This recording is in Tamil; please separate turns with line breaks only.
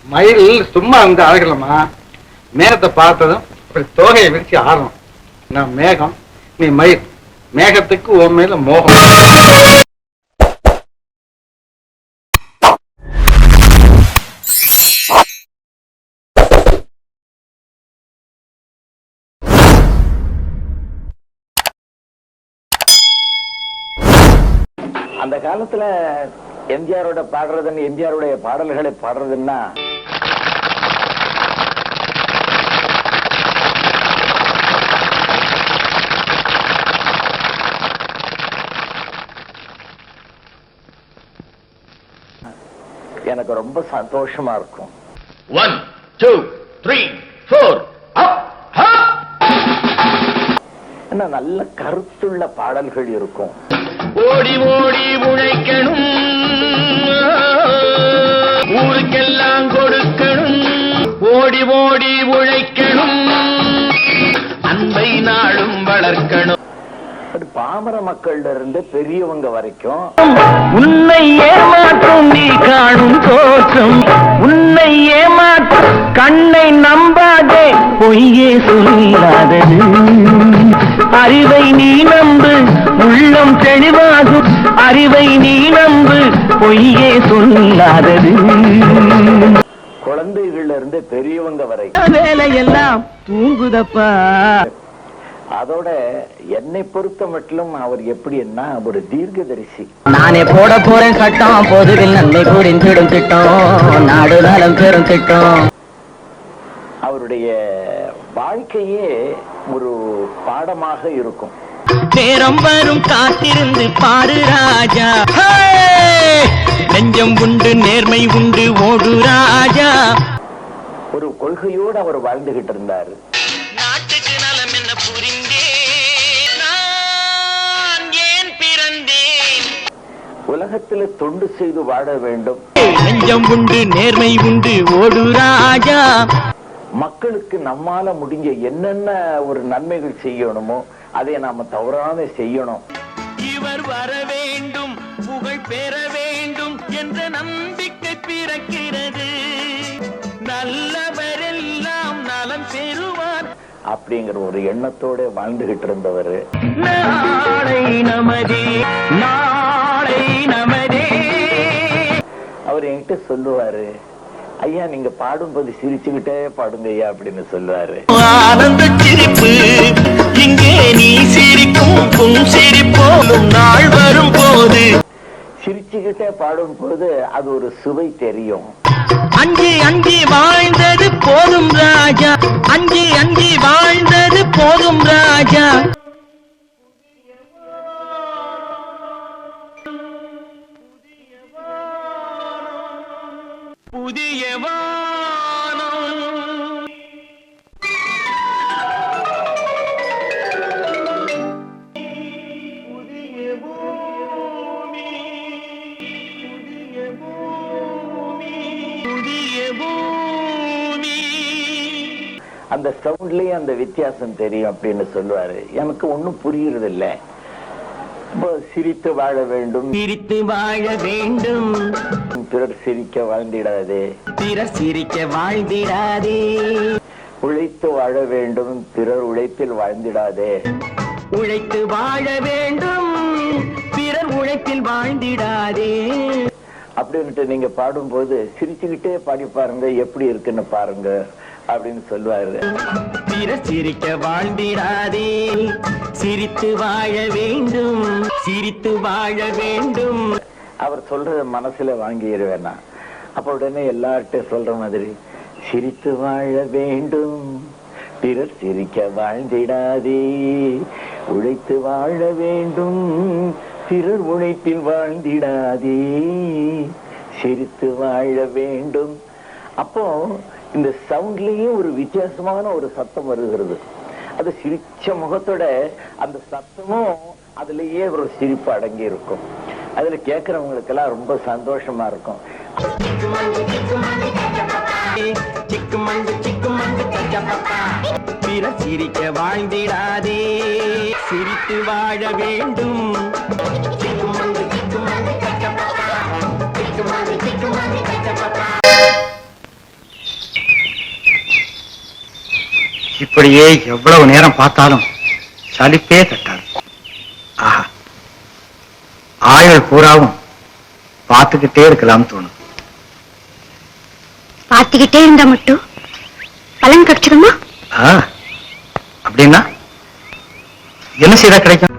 மயில் சும்மா வந்து அழகலம்மா. மேகத்தை பார்த்ததும் அப்படி தோகையை விரிச்சு ஆடணும். நான் மேகம், நீ மயில். மேகத்துக்கு உன் மேல மோகம்.
அந்த காலத்துல எம்ஜிஆரோட பாடுறதுன்னு, எம்ஜிஆருடைய பாடல்களை பாடுறதுன்னா எனக்கு ரொம்ப சந்தோஷமா இருக்கும்.
1 2 3 4
என்ன நல்ல கருத்துள்ள பாடல்கள் இருக்கும்.
ஓடி ஓடி உழைக்கணும், ஊருக்கெல்லாம் கொடுக்கணும். ஓடி ஓடி உழைக்கணும், அன்பை நாளும் வளர்க்கணும்.
பாமர மக்கள்ல இருந்து பெரியவங்க வரைக்கும்
உன்னை ஏமாற்றும் நீ காணும் தோற்றம், உன்னை ஏமாற்றும் கண்ணை நம்பாதே, பொய்யே சொல்லாதது. அறிவை நீ நம்பு, உள்ளம் தெளிவாகும். அறிவை நீ நம்பு, பொய்யே சொல்லாதது.
குழந்தைகள்ல இருந்து பெரியவங்க வரைக்கும்
வேலையெல்லாம் தூங்குதப்பா.
அதோட என்னை பொறுத்த மட்டும் அவர் எப்படின்னா ஒரு தீர்க்கதரிசி.
நானே போட போறேன் சட்டம், பொதுவில் நன்மை புரிந்திடும் திட்டம், நாடு நலம் பெறும் திட்டம்.
அவருடைய வாழ்க்கையே ஒரு பாடமாக இருக்கும்.
நேரம் வரும் காத்திருந்து பாரு ராஜா, நெஞ்சம் உண்டு நேர்மை உண்டு ஓடு ராஜா.
ஒரு கொள்கையோடு அவர் வாழ்ந்துகிட்டு இருந்தாரு.
நாட்டுக்கு நலம் என்ன புரிந்தேன், நான் ஏன் பிறந்தேன்.
உலகத்தில் தொண்டு செய்து வாழ வேண்டும்.
நெஞ்சம் உண்டு நேர்மை உண்டு ஓடு ராஜா.
மக்களுக்கு நம்மால முடிஞ்ச என்னென்ன ஒரு நன்மைகள் செய்யணுமோ அதை நாம தவறாம செய்யணும்.
இவர் வர வேண்டும், புகழ் பெற வேண்டும் என்ற நம்பிக்கை பிறக்கிறது. நல்லவரெல்லாம் நலம் பெறுவார்
அப்படிங்கிற ஒரு எண்ணத்தோட வாழ்ந்துகிட்டு இருந்தவர்.
நாளை நமதே, நாளை நமதே.
அவர் என்கிட்ட சொல்லுவாரு, ஐயா நீங்க பாடும்போது சிரிச்சுக்கிட்டே பாடுங்க ஐயா அப்படின்னு சொல்லுவாரு.
ஆனந்த சிரிப்பு இங்கே நீ சிரிக்கும் சிரிப்போலும் நாள் வரும் போது.
சிரிச்சுக்கிட்டே பாடும் போது அது ஒரு சுவை தெரியும்.
அஞ்சி அஞ்சி வாழ்ந்தது போதும் ராஜா, அஞ்சி அஞ்சி வாழ்ந்தது போதும் ராஜா. புதிய வானம் புதிய பூமி, புதிய பூமி, புதிய பூமி.
அந்த சவுண்ட்லயே அந்த வித்தியாசம் தெரியும் அப்படின்னு சொல்லுவாரு. எனக்கு ஒண்ணும் புரியுறது இல்லை. சிரித்து வாழ வேண்டும்,
சிரித்து வாழ வேண்டும்,
பிறர் சிரிக்க வாழ்ந்திடாதே,
பிறர் சிரிக்க வாழ்ந்திடாதே.
உழைத்து வாழ வேண்டும், பிறர் உழைப்பில் வாழ்ந்திடாதே.
உழைத்து வாழ வேண்டும், பிறர் உழைப்பில் வாழ்ந்திடாதே.
அப்படின்ட்டு நீங்க பாடும்போது சிரிச்சுக்கிட்டே பாடி பாருங்க, எப்படி இருக்குன்னு பாருங்க அப்படின்னு சொல்லுவாரு.
பிறர் சிரிக்க வாழ்ந்திடாதே, சிரித்து வாழ வேண்டும், சிரித்து வாழ வேண்டும்.
அவர் சொல்றத மனசுல வாங்கிடுவேனா. அப்ப உடனே எல்லார்ட்டும் சொல்ற மாதிரி, சிரித்து வாழ வேண்டும், பிறர் சிரிக்க வாழ்ந்திடாதே, உழைத்து வாழ வேண்டும், பிறர் உழைப்பில் வாழ்ந்திடாதே, சிரித்து வாழ வேண்டும். அப்போ இந்த சவுண்ட்லயே ஒரு வித்தியாசமான ஒரு சத்தம் வருகிறது. அது சிரிச்ச முகத்தோட அந்த சத்தமும் அதுலயே ஒரு சிரிப்பு அடங்கி இருக்கும். அதுல கேட்கறவங்களுக்கு எல்லாம் ரொம்ப சந்தோஷமா இருக்கும்.
பிறர் சிரிக்க வாழ்ந்திடாதே, சிரித்து வாழ வேண்டும்.
இப்படியே எவ்வளவு நேரம் பார்த்தாலும் சலிப்பே தட்டாது. ஆஹா, ஆயுள் பூராவும் பார்த்துக்கிட்டே இருக்கலாம்னு தோணும்.
பார்த்துக்கிட்டே இருந்தா மட்டும் பலன் கிடைச்சிடுமா?
அப்படின்னா என்ன செய்தா கிடைக்கும்?